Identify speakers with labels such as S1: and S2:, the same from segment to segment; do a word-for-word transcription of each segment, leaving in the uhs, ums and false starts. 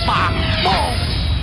S1: ปากโป้ง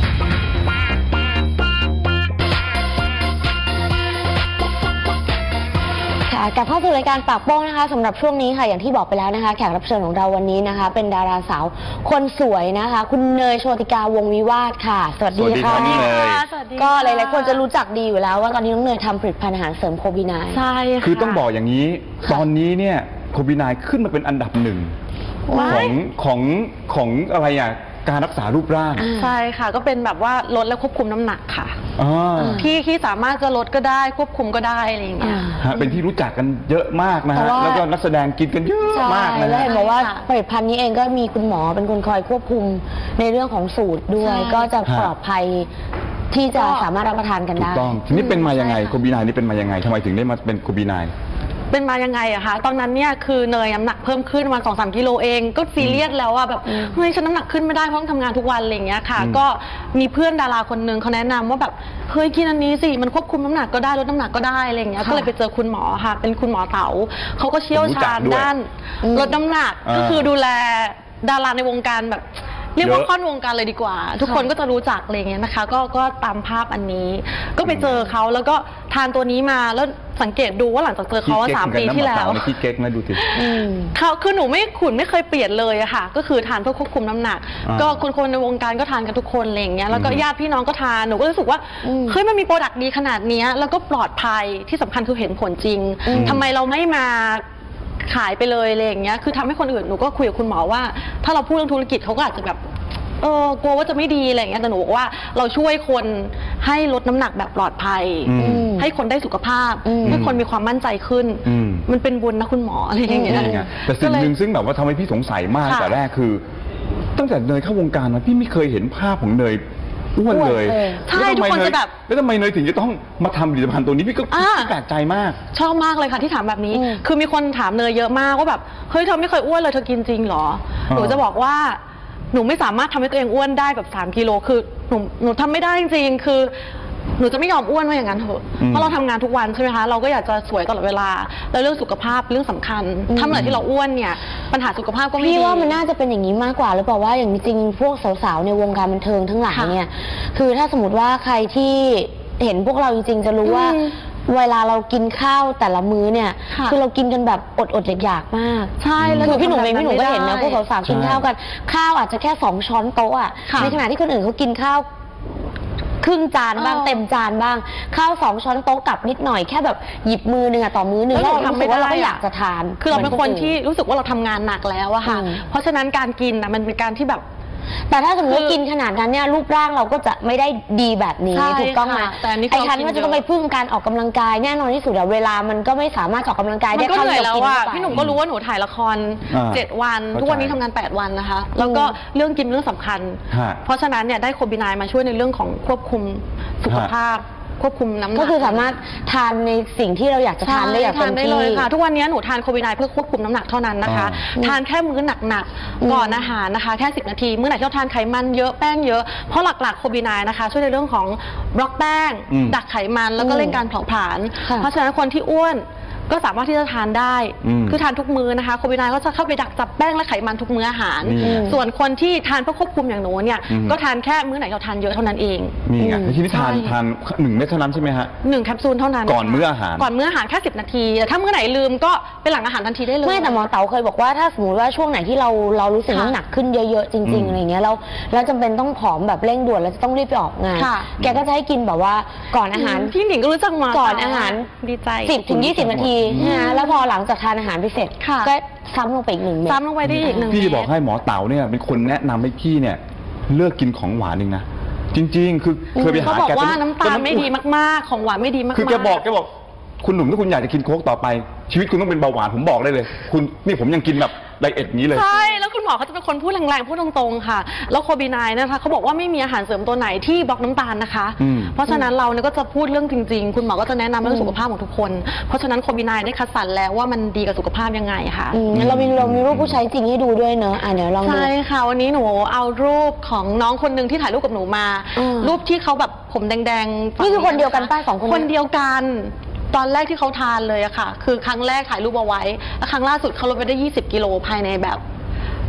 S2: กลับเข้าสู่รายการปากโป้งนะคะสำหรับช่วงนี้ค่ะอย่างที่บอกไปแล้วนะคะแขกรับเชิญของเราวันนี้นะคะเป็นดาราสาวคนสวยนะคะคุณเนยโชติกาวงศ์วิวาทค่ะสวัสดีค่ะก็หลายๆคนจะรู้จักดีอยู่แล้วว่าตอนนี้น้องเนยทำผลิตภัณฑ์อาหารเสริมโคบินาย
S3: ใช่ค่ะ
S4: คือต้องบอกอย่างนี้ตอนนี้เนี่ยโคบินายขึ้นมาเป็นอันดับหนึ่งของของของอะไรอ่ะการรักษารูปร่าง
S3: ใช่ค่ะก็เป็นแบบว่าลดและควบคุมน้ำหนักค่ะที่ที่สามารถจะลดก็ได้ควบคุมก็ได้อะไรอย่างเงี้ย
S4: เป็นที่รู้จักกันเยอะมากนะฮะแล้วก็นักแสดงกินกันเยอะมากเลย
S2: แล้วเห็นบอกว่าผลิตภัณฑ์นี้เองก็มีคุณหมอเป็นคนคอยควบคุมในเรื่องของสูตรด้วยก็จะปลอดภัยที่จะสามารถรับประทานกันได้
S4: ถูกต้องทีนี้เป็นมายังไงโคบินายนี่เป็นมายังไงทำไมถึงได้มาเป็นโคบินาย
S3: เป็นมายังไงอะคะตอนนั้นเนี่ยคือเนยน้ำหนักเพิ่มขึ้นมาสองสามกิโลเองก็ซีเรียสแล้วอะแบบเฮ้ยฉันน้ำหนักขึ้นไม่ได้เพราะต้องทำงานทุกวันอะไรอย่างเงี้ยค่ะก็มีเพื่อนดาราคนนึงเขาแนะนำว่าแบบเฮ้ยกินอันนี้สิมันควบคุมน้ำหนักก็ได้ลดน้ำหนักก็ได้อะไรอย่างเงี้ยก็เลยไปเจอคุณหมอค่ะเป็นคุณหมอเต๋าเขาก็เชี่ยวชาญด้านลดน้ำหนักก็คือดูแลดาราในวงการแบบเรียกว่าค่อนวงการเลยดีกว่าทุกคนก็จะรู้จักอะไรเงี้ยนะคะก็ก็ตามภาพอันนี้ก็ไปเจอเขาแล้วก็ทานตัวนี้มาแล้วสังเกตดูว่าหลังจากเจอเขาสามปีที่แล้ว
S4: ขี้เก๊กนะดูสิ
S3: เขาคือหนูไม่ขุนไม่เคยเปลี่ยนเลยอะค่ะก็คือทานเพื่อควบคุมน้ำหนักก็คนคนในวงการก็ทานกันทุกคนอะไรอย่างเงี้ยแล้วก็ญาติพี่น้องก็ทานหนูก็รู้สึกว่าเฮ้ยมันมีโปรดักต์ดีขนาดนี้แล้วก็ปลอดภัยที่สำคัญคือเห็นผลจริงทำไมเราไม่มาขายไปเลยอะไรอย่างเงี้ยคือทำให้คนอื่นหนูก็คุยกับคุณหมอว่าถ้าเราพูดเรื่องธุรกิจเขาก็อาจจะแบบเออกลัวว่าจะไม่ดีอะไรอย่างเงี้ยแต่หนูบอกว่าเราช่วยคนให้ลดน้ำหนักแบบปลอดภัยให้คนได้สุขภาพให้คนมีความมั่นใจขึ้นมันเป็นบุญนะคุณหมออะไรอย่างเงี้ย
S4: แต่สิ่งหนึ่งซึ่งแบบว่าทำให้พี่สงสัยมากแต่แรกคือตั้งแต่เนยเข้าวงการมาพี่ไม่เคยเห็นภาพของเนยอ้วนเลย
S3: ใช่ทุกคนจะแบบ
S4: แล้วทำไมเนยถึงจะต้องมาทำผลิตภัณฑ์ตัวนี้พี่ก็แปลกใจมาก
S3: ชอบมากเลยค่ะที่ถามแบบนี้คือมีคนถามเนยเยอะมากว่าแบบเฮ้ยเธอไม่เคยอ้วนเลยเธอกินจริงเหรอหนูจะบอกว่าหนูไม่สามารถทำให้ตัวเองอ้วนได้แบบสามกิโลคือหนูหนูทำไม่ได้จริงๆคือหนูจะไม่ยอมอ้วนว่าอย่างนั้นเถอะเพราะเราทำงานทุกวันใช่ไหมคะเราก็อยากจะสวยตลอดเวลาแล้วเรื่องสุขภาพเรื่องสำคัญถ้าเมื่อไหร่ที่เราอ้วนเนี่ยปัญหาสุขภาพก็ไม่ดี
S2: พี่ว่ามันน่าจะเป็นอย่างนี้มากกว่าหรือเปล่าว่าอย่างจริงพวกสาวๆในวงการบันเทิงทั้งหลายเนี่ยคือถ้าสมมติว่าใครที่เห็นพวกเราจริงๆจะรู้ว่าเวลาเรากินข้าวแต่ละมื้อเนี่ยคือเรากินกันแบบอดอดอยากๆมาก
S3: ใช่แล้ว
S2: คือพี่หนุ่มเองพี่หนุ่มก็เห็นนะพวกสาวๆกินข้าวกันข้าวอาจจะแค่สองช้อนโต๊ะอ่ะในขณะที่คนอื่นเขากินข้าวครึ่งจานบ้างเต็มจานบ้างข้าวสองช้อนโต๊ะกับนิดหน่อยแค่แบบหยิบมือหนึ่งอะต่อมื้อหนึ่งเราทำไม่ได้เราก็อยากจะทาน
S3: คือเราเป็นคนที่รู้สึกว่าเราทำงานหนักแล้วอะค่ะเพราะฉะนั้นการกินนะมันเป็นการที่แบบ
S2: แต่ถ้าสมมติกินขนาดนั้นเนี่ยรูปร่างเราก็จะไม่ได้ดีแบบนี้ถูกต้องไหมไอ้ทันว่าจะต้องไปพึ่งการออกกำลังกายแน่นอนที่สุดเวลามันก็ไม่สามารถออกกำลังกายได้
S3: เท่าที่เรากินพี่หนุ่มก็รู้ว่าหนูถ่ายละครเจ็ดวันทุกวันนี้ทำงานแปดวันนะคะแล้วก็เรื่องกินเรื่องสำคัญเพราะฉะนั้นเนี่ยได้โคบินายมาช่วยในเรื่องของควบคุมสุขภาพควบคุมน้ำหนัก
S2: ก็คือสามารถทานในสิ่งที่เราอยากจะทานได้อย่างเต็มที่
S3: เลยค่ะทุกวันนี้หนูทานโคบินายเพื่อควบคุมน้ำหนักเท่านั้นนะคะทานแค่มื้อหนักๆก่อนอาหารนะคะแค่สิบนาทีมื้อไหนที่เราทานไขมันเยอะแป้งเยอะเพราะหลักๆโคบินายนะคะช่วยในเรื่องของบล็อกแป้งดักไขมันแล้วก็เร่งการเผาผลาญเพราะฉะนั้นคนที่อ้วนก็สามารถที่จะทานได้คือทานทุกมื้อนะคะโคบินายก็จะเข้าไปดักจับแป้งและไขมันทุกมื้ออาหารส่วนคนที่ทานเพื่อควบคุมอย่างหนูเนี่ยก็ทานแค่มื้อไหนเราทานเยอะเท่านั้นเอง
S4: นี่ไงทีนี้ทานทานหนึ่งเม็ดเท่านั้นใช่ไหมฮะ
S3: หนึ่งแคปซูลเท่านั้น
S4: ก่อนมื้ออาหาร
S3: ก่อนมื้ออาหารแค่สิบนาทีแต่ถ้ามื้อไหนลืมก็เป็นหลังอาหารทันทีได้เลย
S2: ไม่แต่หมอเต๋าเคยบอกว่าถ้าสมมติว่าช่วงไหนที่เราเรารู้สึกน้ำหนักขึ้นเยอะๆจริงๆอะไรเงี้ยแล้วแล้วจำเป็นต้องผอมแบบเร่งด่วนแล้วจะต้องรีบไปออกงานแกก็จะให้กินแบบว่าก่อนอาหาร
S3: พี่หนิงก็รู้จักมา
S2: ก่อนอาหาร
S3: ดีใจ
S2: สิบถึงยี่สิบนาทีนะแล้วพอหลังจากทานอาหารไปเสร็จก็ซ้ำลงไปอีกหนึ่งเม็ด
S3: ซ้ำลงไปได้อีกหนึ่ง
S4: พี่บอกให้หมอเต๋าเนี่ยเป็นคนแนะนำให้พี่เนี่ยเลิกกินของหวานเองนะจริงๆคือเคยไปหาแก
S3: เขาบอกว่าน้ำตาลไม่ดีมากๆของหวานไม่ดีมากๆ
S4: คือแกบอกแกบอกคุณหนุ่มถ้าคุณอยากจะกินโค้กต่อไปชีวิตคุณต้องเป็นเบาหวานผมบอกได้เลยคุณนี่ผมยังกินแบบไดเอทนี้เลย
S3: ใช่แล้วคุณหมอเขาจะเป็นคนพูดแรงๆพูดตรงๆค่ะแล้วโคบินายนะคะเขาบอกว่าไม่มีอาหารเสริมตัวไหนที่บล็อกน้ำตาลนะคะเพราะฉะนั้นเราเนี่ยก็จะพูดเรื่องจริงๆคุณหมอก็จะแนะนำเรื่องสุขภาพของทุกคนเพราะฉะนั้นโคบินายได้คัดสรรแล้วว่ามันดีกับสุขภาพยังไงค่ะ
S2: เรามีเรามีรูปผู้ใช้จริงให้ดูด้วยเนอะอ่ะเดี๋ยวลองดู
S3: ใช่ค่ะวันนี้หนูเอารูปของน้องคนหนึ่งที่ถ่ายรูปกับหนูมารูปที่เขาแบบผมแดง
S2: ๆนี่คือคนเดียวกันป้าสองคน
S3: คนเดียวกันตอนแรกที่เขาทานเลยอะค่ะคือครั้งแรกถ่ายรูปเอาไว้แล้วครั้งล่าสุดเขาลดไปได้ยี่สิบกิโลภายในแบบ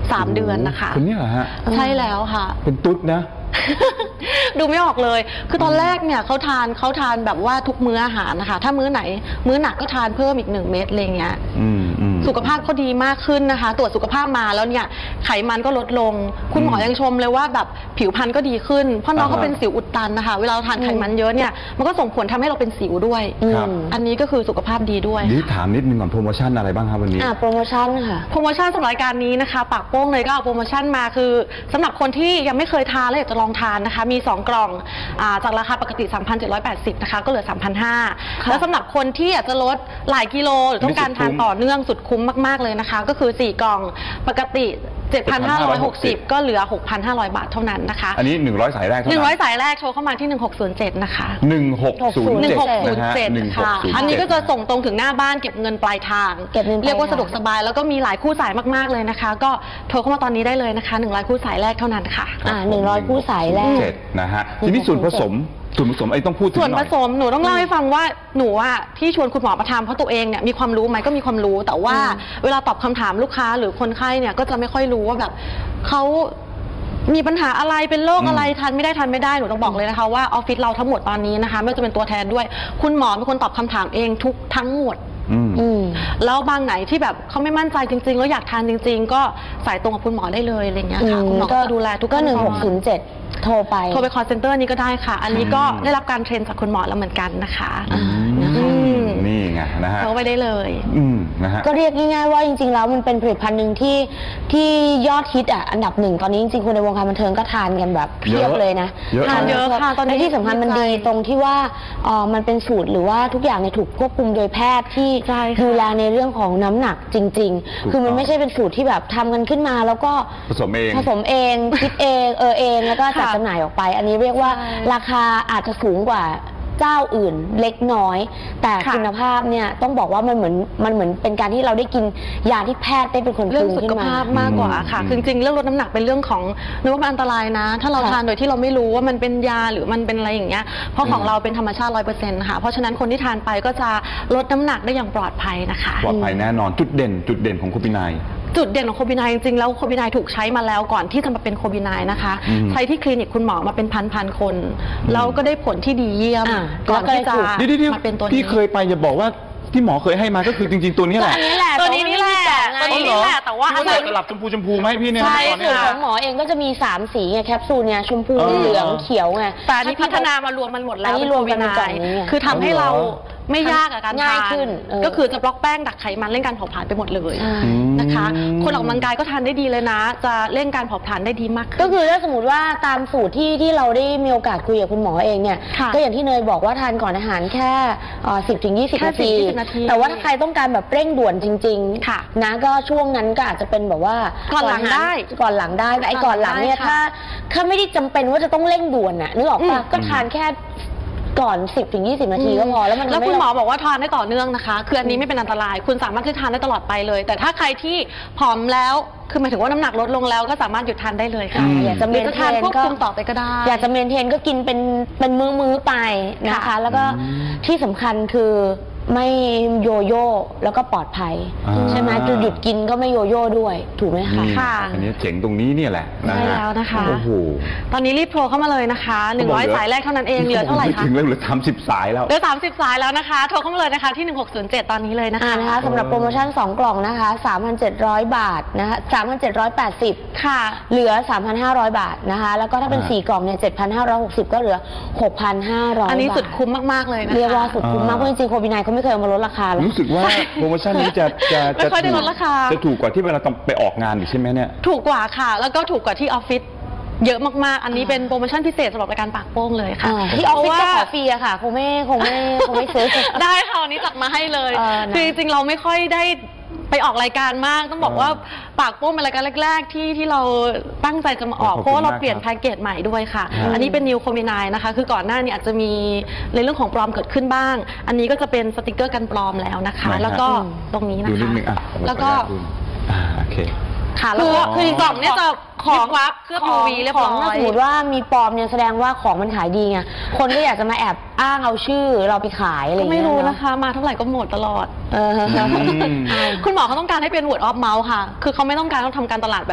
S3: สามเดือนนะคะ
S4: คนนี้เหรอฮะ
S3: ใช่แล้วค่ะ
S4: เป็นตุ๊ดนะ
S3: ดูไม่ออกเลย คือตอนแรกเนี่ยเขาทานเขาทานแบบว่าทุกมื้ออาหารนะคะ ถ้ามื้อไหน มื้อหนักก็ทานเพิ่มอีกหนึ่งเม็ดอะไรเงี้ยสุขภาพเขาดีมากขึ้นนะคะ ตรวจสุขภาพมาแล้วเนี่ยไขมันก็ลดลง คุณหมอยังชมเลยว่าแบบผิวพรรณก็ดีขึ้น เพราะน้องเขาเป็นสิวอุดตันนะคะ เวลาเราทานไขมันเยอะเนี่ย มันก็ส่งผลทำให้เราเป็นสิวด้วย อันนี้ก็คือสุขภาพดีด้วย
S4: นี่ถามนิดนึงก่อนโปรโมชั่นอะไรบ้างครับวันนี้
S2: อ่าโปรโมชั่นค่ะ
S3: โปรโมชั่นสำหรับรายการนี้นะคะปากโป้งเลยก็เอาโปรโมชั่นมาคือสำหรับคนที่ยังไม่เคยทานและอยากจะลองทานนะคะมีสองกล่องจากราคาปกติ สามพันเจ็ดร้อยแปดสิบ นะคะก็เหลือ สามพันห้าร้อย แล้วสำหรับคนที่อยากจะลดหลายกิโลหรือต้องการทานต่อเนื่องสุดคุ้มมากๆเลยนะคะก็คือสี่กล่องปกติ เจ็ดพันห้าร้อยหกสิบ ก็เหลือ หกพันห้าร้อย บาทเท่านั้นนะคะ
S4: อันนี้หนึ่งร้อยสายแรกเท่านั้นหนึ่งร้อย
S3: สายแรกโทรเข้ามาที่หนึ่งหกศูนย์เจ็ดนะคะ
S4: หนึ่งหกศูนย์เจ็ด
S3: ค่ะอันนี้ก็จะส่งตรงถึงหน้าบ้านเก็บเงินปลายทางเรียกว่าสะดวกสบายแล้วก็มีหลายคู่สายมากๆเลยนะคะก็โทรเข้ามาตอนนี้ได้เลยนะคะหนึ่งร้อยคู่สายแรกเท่านั้นค่ะ
S2: อ่าหนึ่งร้อยคู่สายแรก
S4: นะฮะทีนี้ส่วนผสมส่วนผสมไอ้ต้องพูดถึงหน่อย
S3: ส่วนผสมหนูต้องเล่าให้ฟังว่าหนูอะที่ชวนคุณหมอมาทำเพราะตัวเองเนี่ยมีความรู้ไหมก็มีความรู้แต่ว่าเวลาตอบคำถามลูกค้าหรือคนไข้เนี่ยก็จะไม่ค่อยรู้ว่าแบบเขามีปัญหาอะไรเป็นโรคอะไรทานไม่ได้ทานไม่ได้หนูต้องบอกเลยนะคะว่าออฟฟิศเราทั้งหมดตอนนี้นะคะไม่ว่าจะเป็นตัวแทนด้วยคุณหมอเป็นคนตอบคำถามเองทุกทั้งหมดแล้วบางไหนที่แบบเขาไม่มั่นใจจริงๆแล้วอยากทานจริงๆก็สายตรงกับคุณหมอได้เลยอะไรเงี้ยค่ะคุณหมอก็ดูแลทุก
S2: ก็หนึ่งหกศูนย์เจ็ดโทรไป
S3: โทรไป call center นี้ก็ได้ค่ะอันนี้ก็ได้รับการเทรนจากคุณหมอแล้วเหมือนกันนะคะ
S4: นี่ไงนะฮะ
S3: โทรไปได้เลย
S4: นะฮะ
S2: ก็เรียกง่ายๆว่าจริงๆแล้วมันเป็นผลิตภัณฑ์หนึ่งที่ที่ยอดฮิตอ่ะอันดับหนึ่งตอนนี้จริงๆคนในวงการบันเทิงก็ทานกันแบบเพียบเลยนะ
S3: ทานเยอะค่ะตอนนี้
S2: ที่สำคัญมันดีตรงที่ว่ามันเป็นสูตรหรือว่าทุกอย่างเนี่ยถูกควบคุมโดยแพทย์ที่ดูแลในเรื่องของน้ำหนักจริงๆคือมันไม่ใช่เป็นสูตรที่แบบทำกันขึ้นมาแล้วก็
S4: ผสมเอง
S2: ผสมเองคิดเองเออเองแล้วก็จัดจำหน่ายออกไปอันนี้เรียกว่าราคาอาจจะสูงกว่าเจ้าอื่นเล็กน้อยแต่คุณภาพเนี่ยต้องบอกว่ามันเหมือนมันเหมือนเป็นการที่เราได้กินยาที่แพทย์ได้เป็นคน
S3: เรื่องสุขภาพมากกว่าค่ะจริงๆเรื่องลดน้ำหนักเป็นเรื่องของนึกว่ามันอันตรายนะถ้าเราทานโดยที่เราไม่รู้ว่ามันเป็นยาหรือมันเป็นอะไรอย่างเงี้ยเพราะของเราเป็นธรรมชาติ ร้อยเปอร์เซ็นต์ ค่ะเพราะฉะนั้นคนที่ทานไปก็จะลดน้ำหนักได้อย่างปลอดภัยนะคะ
S4: ปลอดภัยแน่นอนจุดเด่นจุดเด่นของโคบินาย
S3: จุดเด่นของโคบินายจริงๆแล้วโคบินายถูกใช้มาแล้วก่อนที่จะมาเป็นโคบินายนะคะใช้ที่คลินิกคุณหมอมาเป็นพันๆคนแล้วก็ได้ผลที่ดีเยี่ยมก่อนที่จะมาเป็นตัวนี้
S4: ที่เคยไปจะบอกว่าที่หมอเคยให้มาก็คือจริงๆตัวนี้แหละ
S3: ตัวนี้นี่แหละตัวนี้นี่แหละแต่ว่า
S4: อันนี้หลับชมพูชมพูไหมพี่เนี่ย
S2: ใช่สูตรของหมอเองก็จะมีสามสีไงแคปซูลเนี่ยชมพูเหลืองเขียวไง
S3: แต่ที่พัฒนามารวมมันหมดแล้ว
S2: นี่รวมกันในกล่องนี้
S3: คือทำให้เราไม่ยากกับการทานก็คือจะบล็อกแป้งดักไขมันเร่งการเผาผลาญไปหมดเลยนะคะคนออกกำลังกายก็ทานได้ดีเลยนะจะเร่งการเผาผลาญได้ดีมาก
S2: ก็คือถ้าสมมติว่าตามสูตรที่ที่เราได้มีโอกาสคุยกับคุณหมอเองเนี่ยก็อย่างที่เนยบอกว่าทานก่อนอาหารแค่สิบถึงยี่สิบนาทีแต่ว่าถ้าใครต้องการแบบเร่งด่วนจริงๆนะก็ช่วงนั้นก็อาจจะเป็นแบบว่า
S3: ก่อนหลังได้
S2: ก่อนหลังได้แต่ไอ้ก่อนหลังเนี่ยถ้าถ้าไม่ได้จำเป็นว่าจะต้องเร่งด่วนน่ะนึกออกป่ะก็ทานแค่ก่อน สิบถึงยี่สิบ นาทีก็พอแล้วมัน
S3: แล้วคุณหมอบอกว่าทานได้ต่อเนื่องนะคะคืออันนี้ไม่เป็นอันตรายคุณสามารถที่ทานได้ตลอดไปเลยแต่ถ้าใครที่ผอมแล้วคือหมายถึงว่าน้ำหนักลดลงแล้วก็สามารถหยุดทานได้เลยค่ะ
S2: อยากจะเมนเทน
S3: ควบคุมต่อไปก็ได้
S2: อยากจะเมนเทนก็กินเป็นเป็นมื้อๆไปนะคะแล้วก็ที่สำคัญคือไม่โยโย่แล้วก็ปลอดภัยใช่ไหมจะหยุดกินก็ไม่โยโย่ด้วยถูกไหมคะ
S3: ค่ะ
S4: อันนี้เจ๋งตรงนี้เนี่ยแหละ
S3: ใช่แล้วนะคะโอ้โหตอนนี้รีบโทรเข้ามาเลยนะคะหนึ่งร้อยสายแรกเท่านั้นเองเหลือเท่าไหร่คะ
S4: ถึงแล้วเหลือสามสิบสายแล้ว
S3: เหลือสามสิบสายแล้วนะคะโทรเข้ามาเลยนะคะที่หนึ่งหกศูนย์เจ็ดตอนนี้เลยนะคะ
S2: นะคะสำหรับโปรโมชั่นสองกล่องนะคะ สามพันเจ็ดร้อย บาทนะคะสามพันเจ็ดร้อยแปดสิบ
S3: ค่ะ
S2: เหลือ สามพันห้าร้อย บาทนะคะแล้วก็ถ้าเป็นสี่กล่องเนี่ย เจ็ดพันห้าร้อยหกสิบ ก็เหลือ หกพันห้าร้อย บาท
S3: อันนี้สุดคุ้มมากๆเลยนะคะ
S2: เรียกว่าสุดคุ้มมากเพราะจริงๆโคบินายเขาไม่เคยมาลดราคาเลย
S4: รู้สึกว่าโปรโมชั่นนี้จะจะ
S3: จะไม่ค่อยได้ลดราคา
S4: จะถูกกว่าที่เวลาต้องไปออกงานอยู่ใช่ไหมเนี่ย
S3: ถูกกว่าค่ะแล้วก็ถูกกว่าที่ออฟฟิศเยอะมากๆอันนี้เป็นโปรโมชั่นพิเศษสำหรับรายการปากโป้งเลยค่ะ
S2: ที่ออฟฟิศจะขอฟรีอะค่ะคงไม่คงไม่คงไม่ซื้อ
S3: ได้ค่ะวันนี้จัดมาให้เลยคือจริงๆเราไม่ค่อยได้ไปออกรายการมากต้องบอกว่าปากโป้งเป็นรายการแรกๆที่ที่เราตั้งใจจะมาออกเพราะเราเปลี่ยนแพ็กเกจใหม่ด้วยค่ะอันนี้เป็นนิวโคมินายนะคะคือก่อนหน้านี้อาจจะมีในเรื่องของปลอมเกิดขึ้นบ้างอันนี้ก็จะเป็นสติกเกอร์กันปลอมแล้วนะคะแล้วก็ตรงนี้นะคะแล้วก็
S4: โอเค
S3: ค่ะแล้วก็คือกล่องเนี่ยจะของวับเครื่อง ยู วี เรียบร้อย
S2: ถ้าสมมติว่ามีปลอมเนี่ยแสดงว่าของมันขายดีไงคนก็อยากจะมาแอบอ้างเอาชื่อเราไปขายอะไรอย่างเงี้ย
S3: ไม่รู้นะคะมาเท่าไหร่ก็หมดตลอดคุณหมอเขาต้องการให้เป็น word of mouth ค่ะคือเขาไม่ต้องการต้องทำการตลาดแบบ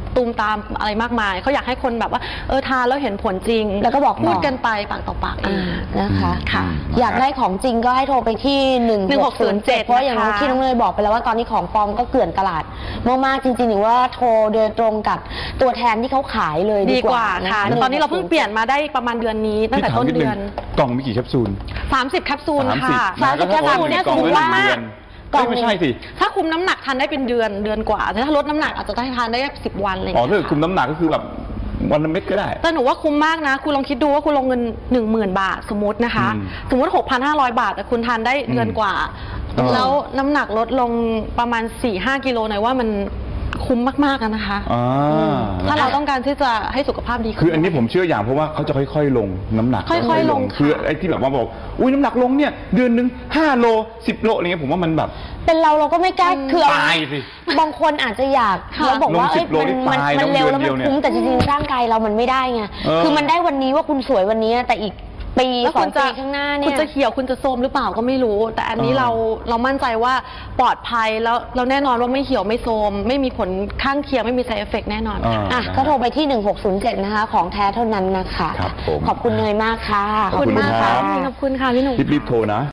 S3: ตูมตามอะไรมากมายเขาอยากให้คนแบบว่าเออทานแล้วเห็นผลจริง
S2: แล้วก็บอกต่อ
S3: พูดกันไปปากต่อปากเอง
S2: นะคะ
S3: ค่ะ
S2: อยากได้ของจริงก็ให้โทรไปที่หนึ่งหกศูนย์เจ็ด
S3: หนึ่งหกศูนย์เจ็ด
S2: เพราะอย่าง
S3: นะคะ
S2: ที่น้องเนยบอกไปแล้วว่าตอนนี้ของปลอมก็เกลื่อนตลาดมากๆจริงๆหรือว่าโทรโดยตรงกับตัวแทนที่เขาขายเลยดี
S3: ดี
S2: ก
S3: ก
S2: ว่า
S3: ว่า
S2: นะ
S3: ค่ะแต่ตอนนี้เราเพิ่งเปลี่ยนมาได้ประมาณเดือนนี้ตั้งแต่
S4: พี่ถาม
S3: ต้น
S4: นิด
S3: เดื
S4: นึง
S3: อน
S4: กล่องมีกี่แคปซูล
S3: สามสิบแคปซูล
S4: สามสิบ
S3: ค่ะ
S2: สามสิบแคปซูลเนี่ย
S4: กล่อง
S2: ถือ
S4: ละ
S2: ว่า
S4: หนึ่งเดือน
S2: กล่อง
S4: เอ้ยไม่ใช่สิ
S3: ถ้าคุมน้ำหนักทานได้เป็นเดือนเดือนกว่าแต่ถ้าลดน้ำหนักอาจจะได้ทานได้สิบวันอะไรอย่าง
S4: อ๋อ
S3: เงี้ย
S4: ถ้าเกิดคุมน้ำหนักก็คือแบบวันละเม็ดก็ได้
S3: แต่หนูว่าคุ้มมากนะคุณลองคิดดูว่าคุณลงเงินหนึ่งหมื่นบาทสมมตินะคะ
S4: อืม
S3: สมมติหกพันห้าร้อยบาทแต่คุณทานได้เดือนกว่า
S4: อืม
S3: แล้วน้ำหนักลดลงประมาณสี่ห้ากิโลหน่อยว่ามันคุ้มมากๆอะนะคะ
S4: อ่า
S3: ถ้าเราต้องการที่จะให้สุขภาพดีขึ้น
S4: คืออันนี้ผมเชื่ออย่างเพราะว่าเขาจะค่อยๆ ลงน้ำหนัก
S3: ค่อยๆลงค่ะ
S4: คือไอ้ที่แบบว่าบอกอุ้ยน้ำหนักลงเนี่ยเดือนหนึ่งห้าโลสิบโลอะไรเงี้ยผมว่ามันแบบ
S2: เป็นเราเราก็ไม่กล้าคือเอา
S4: ตายสิ
S2: บางคนอาจจะอยาก
S3: ค่ะ
S2: แล้วบอกว่า
S4: ลงสิ
S2: เอ้ย
S4: บโล
S2: มัน
S4: นี่
S2: มัน
S4: ตาย
S2: มันเร็วแล้ว
S4: เดื
S2: มั
S4: อน
S2: น
S4: เดียว
S2: คุ้มแต่จริงๆร่างกายเรามันไม่ได้ไง
S4: เออ
S2: คือมันได้วันนี้ว่าคุณสวยวันนี้แต่อีกปี
S3: แล้ว
S2: สอ
S3: คุ
S2: ง
S3: ณจะ
S2: ปีข้างหน้าเนี่
S3: คุณ
S2: ย
S3: จะเขียวคุณจะโทรมหรือเปล่าก็ไม่รู้ แต่อันนี้
S4: อ่า
S3: เราเรามั่นใจว่าปลอดภัยแล้วเราแน่นอนว่าไม่เหี่ยวไม่โทรมไม่มีผลข้างเคียงไม่มี side effect แน่นอน
S4: อ่า
S3: ค่ะ
S2: อ่ะก็โทรไปที่หนึ่งหกศูนย์เจ็ดนะคะของแท้เท่านั้นนะคะ
S4: ครับผม
S2: ขอบคุณเนยมากค่ะ
S4: ขอบคุณ
S3: มาก
S4: ครั
S3: ค่ะ
S4: บ
S3: ขอบคุณค่ะพี่หนุ่ม
S4: รีบๆโทรนะ